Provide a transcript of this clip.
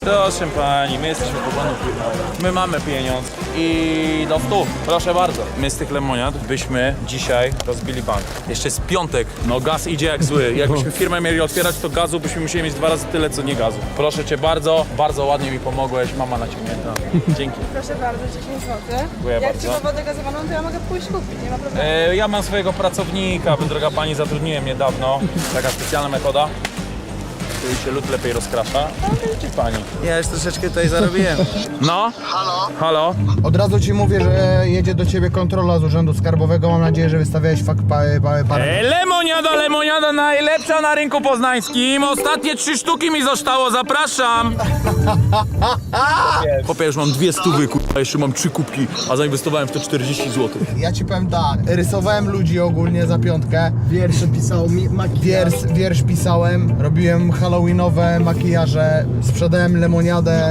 Proszę pani, my jesteśmy po panu firmowy. My mamy pieniądz i do 100. Proszę bardzo. My z tych lemoniad byśmy dzisiaj rozbili bank. Jeszcze jest piątek. No gaz idzie jak zły. Jakbyśmy firmę mieli otwierać, to gazu byśmy musieli mieć 2 razy tyle, co nie gazu. Proszę cię bardzo, bardzo ładnie mi pomogłeś. Mama naciągnięta. Dzięki. Proszę bardzo, 10 zł. Dziękuję Jak bardzo. trzeba wodę gazowaną, to ja mogę pójść kupić, nie ma problemu. Ja mam swojego pracownika, wy droga pani, zatrudniłem niedawno. Taka specjalna metoda. Tu się lód lepiej rozkrasza. No widzi pani. Ja już troszeczkę tutaj zarobiłem. No? Halo? Od razu ci mówię, że jedzie do ciebie kontrola z urzędu skarbowego. Mam nadzieję, że wystawiałeś parę. Lemoniada najlepsza na rynku poznańskim. Ostatnie 3 sztuki mi zostało, zapraszam. Popie, już mam 2 stówy, kurwa, jeszcze mam 3 kubki, a zainwestowałem w to 40 zł. Ja ci powiem tak, rysowałem ludzi ogólnie za 5. Wiersze pisał mi Wiersz pisałem, robiłem halloweenowe makijaże, sprzedałem lemoniadę.